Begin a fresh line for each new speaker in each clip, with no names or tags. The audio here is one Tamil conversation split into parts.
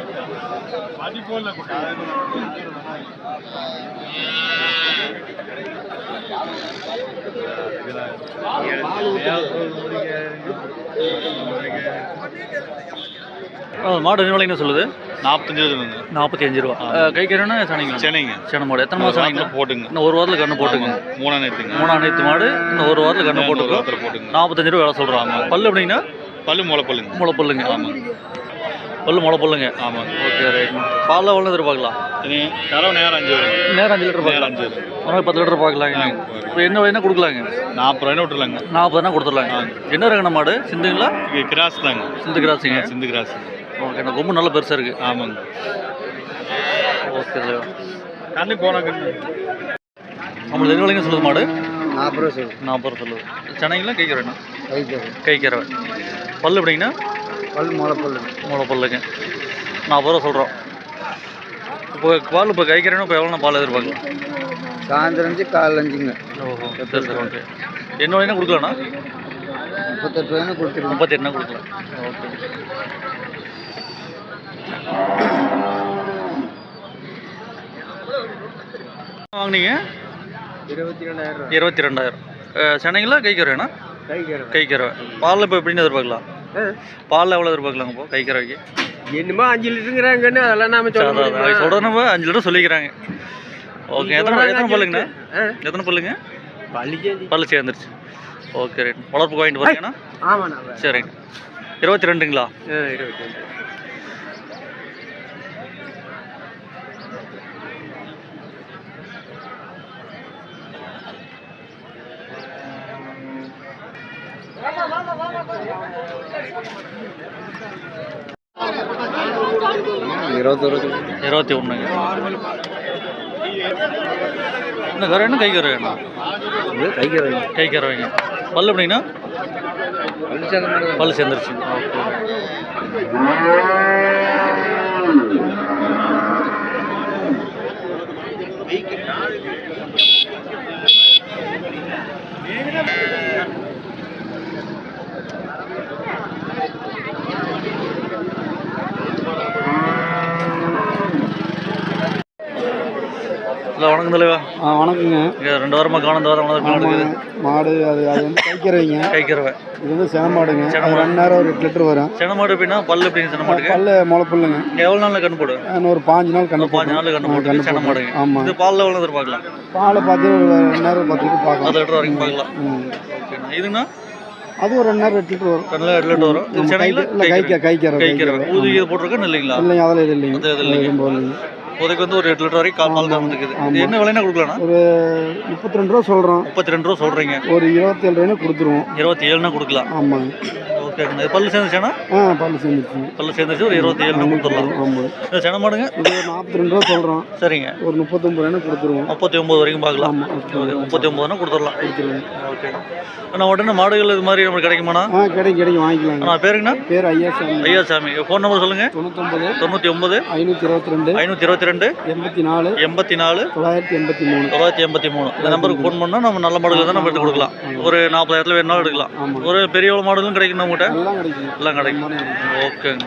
மாடு என்ன விலைன்னு சொல்லுது?
45
ரூபா. கை கறனா சனைங்க? சென மாடு. எத்தனை மாதம் ஆகுங்க?
போட்டுங்க.
இன்னும் ஒரு வாரத்தில் கண்ணு போட்டுங்க. 3 நேத்து மாடு. இன்னும் ஒரு வாரத்தில் கண்ணு போட்டுங்க. 45 ரூபா வேலை சொல்கிறாங்க. பல்லு எப்படின்னா?
பல்லு முளைப்பல்லுங்க.
முளைப்பல்லுங்க. ஆமாங்க. பல்லு முளைப்பல்லுங்க. ஆமாங்க. Okay right. பாலில் எவ்வளோ எதிர்பார்க்கலாம்?
நேரம் 5 வரும்.
நேரம் 5 லிட்டர் பார்க்கலாம்.
5 வரும்.
ஒரு 10 லிட்டர் பார்க்கலாங்க. இப்போ என்ன வேணா கொடுக்கலாங்க?
40 ரூபாய்னா விட்டுருலாங்க.
40 ரூபா கொடுத்துடலாங்க. என்ன ரகன மாடு? சிந்துங்களா?
கிராஸ் தாங்க.
சிந்து கிராஸுங்க.
சிந்து கிராஸ்.
ஓகே. நான் ரொம்ப நல்ல பெருசாக இருக்குது.
ஆமாங்க.
ஓகே தலைவா.
கண்ணு போனாங்க.
நம்மளுக்கு எது விலைங்க சொல்லுது மாடு?
40 ரூபா சொல்லுது.
40 ரூபா சொல்லுது. சென்னைங்களா கைக்கிறேண்ணா?
கைக்கிறேன்.
பல்லு எப்படிங்கண்ணா?
பல்
முளைப்பல்லுங்க. 40 ரூபா சொல்கிறோம். இப்போ கைக்கிறேன்னா இப்போ எவ்வளோ பால் எதிர்பார்க்கலாம்?
சாயந்தரம் 5 காலைல 5ங்க.
ஓஹோ சரி சரி ஓகே. என்ன வேணா கொடுக்கலாண்ணா?
38 ரூபாய்னா கொடுத்துருங்க.
38 கொடுக்கலாம். ஓகே. வாங்கினீங்க 22,000. சென்னைங்களா கைக்கிறேண்ணா? கைக்கிறவை. பாலில் இப்போ எப்படின்னு எதிர்பார்க்கலாம்? பாலில் எவ்வளோ எதிர்பார்க்கலாங்க இப்போ கைக்கிறவைக்கு?
என்னமோ 5 லிட்டருங்கிறாங்கன்னு அதெல்லாம் நாம
சொல்கிறோம். நம்ம 5 லிட்டர் சொல்லிக்கிறாங்க. ஓகே. எத்தனை பல்லுங்கண்ணா? எத்தனை பல்லுங்க? பல்லு சேர்ந்துருச்சு. Okay right. வளர்ப்புக்கு வாங்கிட்டு போறீங்கண்ணா?
ஆமாண்ணா.
சரிங்க. 22ங்களா?
22.
இருபத்தி ஒன்றுங்க. என்ன கரை? கைக்கிறவைண்ணா? கைக்கிறவைங்க. பல்லு எப்படிங்கண்ணா? பல்லு சேர்ந்துருச்சு. இல்லை வணக்கம் தலைவா.
வணக்கங்க.
2 வாரமாக காணும்.
மாடு அது வந்து கைக்கிறவைங்க.
கைக்கிறவை.
இது வந்து சென மாடுங்க. 2 நேரம் ஒரு 8 லிட்டர் வரும்.
சென மாடு எப்படின்னா பல்லு எப்படிங்க? சென மாடுங்க
பல்லு முளைப்பல்லுங்க.
எவ்வளோ நாளில் கண்ணு போடும்?
ஒரு 5 நாள் கண்ணு.
5 நாளில் கண்ணு போட்டு சென மாடுங்க.
ஆமாம்.
இது பாலில் எவ்வளோ எதிர்பார்க்கலாம்?
பால் பார்த்து ஒரு 2 நேரம் 10 லிட்டர் பார்க்கலாம்.
10 லிட்டர் வரைக்கும் பார்க்கலாம். ஓகேண்ணா. இதுங்கண்ணா?
அது ஒரு 2 நேரம் 8 லிட்டர் வரும்.
2 லிட்டர் வரும்.
கைக்கிறவை.
ஊதி இது போட்டிருக்கேன் இல்லைங்களா?
இல்லைங்க அதெல்லாம் இது இல்லைங்க.
அது இல்லைங்க. இப்போதைக்கு வந்து ஒரு 8 லிட்டர் வரைக்கும் பால் தான் இருக்குது. இது என்ன விலைன்னா கொடுக்கலாம்ண்ணா?
ஒரு 32 ரூபா சொல்கிறோம்.
32 ரூபா சொல்கிறீங்க.
ஒரு 27 ரூபாய்னா கொடுத்துருவோம்.
27னா கொடுக்கலாம்.
ஆமாங்க.
ஓகேங்கண்ணா. பல்லு சேர்ந்துச்சுன்னா?
பல்லு சேர்ந்துச்சு.
பல்லு சேர்ந்துச்சு. ஒரு 27னா கொடுத்துடலாம்.
ஆமாம்.
சென மாடுங்க?
இது ஒரு 42 ரூபா சொல்கிறோம்.
சரிங்க.
ஒரு 39 ரூபாய்னா கொடுத்துருவோம்.
39 வரைக்கும் பார்க்கலாம். 39னா கொடுத்துடலாம். ஓகே. ஆனால் உடனே மாடுகள் இது மாதிரி நம்மளுக்கு கிடைக்குமாண்ணா?
கிடைக்கும் வாங்கிக்கலாம்.
நான் பேருங்கண்ணா?
பேர் ஐயாசாமி.
ஐயாசாமி. ஃபோன் நம்பர் சொல்லுங்கள்.
99 522 84
84
983
983. இந்த நம்பருக்கு ஃபோன் பண்ணால் நம்ம நல்ல மாடுகள் தான் நம்ம எடுத்து கொடுக்கலாம். ஒரு 40,000 வேணாலும் எடுக்கலாம். ஒரு பெரிய மாடுகளும் கிடைக்கும் நம்மகிட்ட. எல்லாம் கிடைக்கும். ஓகேங்க.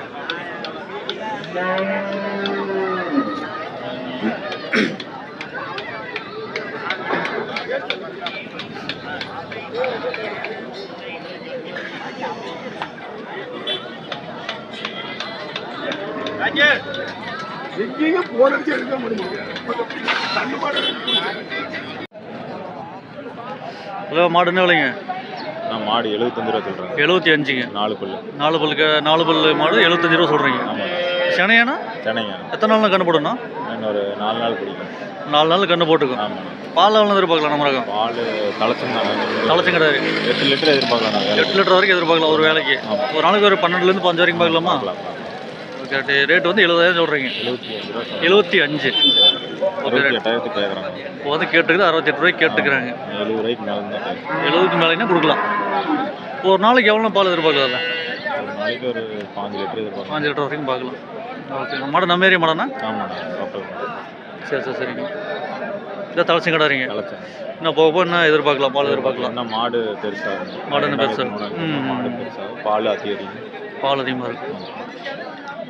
ஹலோ, மாடு என்ன விலைங்க?
மாடு 75 ரூபா சொல்கிறேன்.
75ங்க.
4 பல்லு.
4 பல்லு மாடு 75 ரூபா சொல்கிறீங்க.
ஆமாம்.
செனையாண்ணா? எத்தனை நாள் கண்ணு போடுண்ணா?
ஒரு 4 நாள் பிடிக்கும்.
4 நாள் கண்ணு போட்டுக்கும்.
ஆமாம்.
பால் எவ்வளோ எதிர்பார்க்கலாம்? நம்ம ரகம்
பால்
தலைச்சும் கிடையாது.
8 லிட்டர் எதிர்பார்க்கலாம்.
8 லிட்டர் வரைக்கும் எதிர்பார்க்கலாம் ஒரு வேலைக்கு. ஒரு நாளைக்கு ஒரு 12லேருந்து 15 வரைக்கும் பார்க்கலாமா? ஓகே. ரேட் வந்து 70,000 சொல்கிறீங்க. 75. ஓகே. இப்போ வந்து கேட்டுக்குது 68 ரூபாய்க்கு கேட்டுக்கிறாங்க.
70 ரூபாய்க்கு மேலே தான்.
70க்கு மேலேன்னா கொடுக்கலாம். இப்போ ஒரு நாளைக்கு எவ்வளோ பால் எதிர்பார்க்கலாம்?
ஒரு நாளைக்கு ஒரு 5 லிட்டர் எதிர்பார்க்கலாம்.
5 லிட்டர் வரைக்கும் பார்க்கலாம். ஓகே. மாடு நம்ம ஏரியா மாடண்ணா?
ஆமாண்ணா.
சரி சரிங்க. இதை தலைச்சும் கிடாரிங்க. இன்னும் போக என்ன எதிர்பார்க்கலாம்? பால் எதிர்பார்க்கலாம்.
என்ன மாடு பெருசாக?
மாடு என்ன பெருசாக?
மாடு பெருசாக பால் அதிகரிக்கும்.
பால் அதிகமாக இருக்கும்.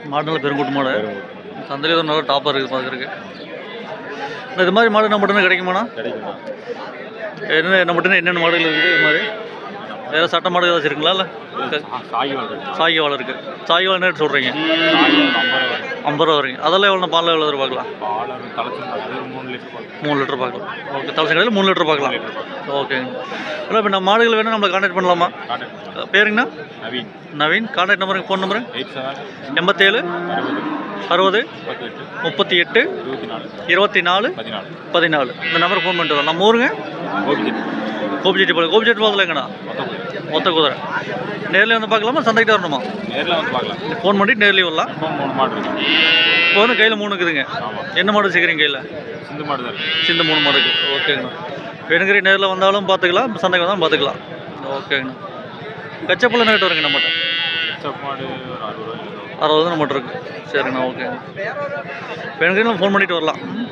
மாடு நல்ல பெருங்கூட்டு மாடு.
பெருங்கூட்டு
சந்தையில் ஒரு நல்ல டாப்பாக இருக்குது பார்க்குறதுக்கு. இது மாதிரி மாடு நம்ம மட்டும் கிடைக்குமாண்ணா?
கிடைக்குமா?
என்ன மட்டும் என்னென்ன மாடுகள் இருக்குது? இது மாதிரி வேறு சட்ட மாடு ஏதாச்சும் இருக்குங்களா? இல்லை
சாகிவால் இருக்கு.
சாகிவால் இருக்குது. சாகிவால் என்ன ரேட் சொல்கிறீங்க? 50 ரூபா வரீங்க. அதெல்லாம் எவ்வளோ பாலில் எவ்வளோ எதிர்பார்க்கலாம்?
பால் தலைச்சு 3 லிட்டர் பார்க்கலாம்.
3 லிட்டர் பார்க்கலாம். ஓகே, தலைச்ச கடையில் 3 லிட்டர் பார்க்கலாம். ஓகேங்க. இல்லை இப்போ நம்ம மாடுகள் வேணும் நம்மளை கான்டாக்ட் பண்ணலாமா? பேருங்கண்ணா?
நவீன்.
நவீன். கான்டாக்ட் நம்பருங்க, ஃபோன் நம்பரு?
87
87
60
38 24 14. இந்த நம்பருக்கு ஃபோன் பண்ணிட்டு வரலாம். நம்ம ஊருங்க கோபிச்செட்டிப்பாளையம். கோபிச்செட்டிப்பாளையத்தில் எங்கண்ணா? மொத்த குதிரை. நேரில் வந்து பார்க்கலாமா, சந்தைக்கு வரணுமா?
நேரில் வந்து பார்க்கலாம்.
ஃபோன் பண்ணிட்டு நேர்லேயே வரலாம்.
3 மாடு இருக்கு.
இப்போ வந்து கையில் 3 இருக்குதுங்க. என்ன மாடு வச்சுக்கிறீங்க கையில்?
சிந்து மாடு தான் இருக்கு.
சிந்து 3 மாடு இருக்குது. ஓகேங்கண்ணா. வேணுங்கிற நேரில் வந்தாலும் பார்த்துக்கலாம், சந்தைக்கு வந்தாலும் பார்த்துக்கலாம். ஓகேங்கண்ணா. கச்சப்பள்ள என்ன ரேட் வருங்க நம்மகிட்ட?
மாடு ஒரு 60 ரூபாய்
60 நம்மகிட்ட இருக்குது. சரிங்கண்ணா. ஓகே, வேணுங்கிறீங்க ஃபோன் பண்ணிட்டு வரலாம்.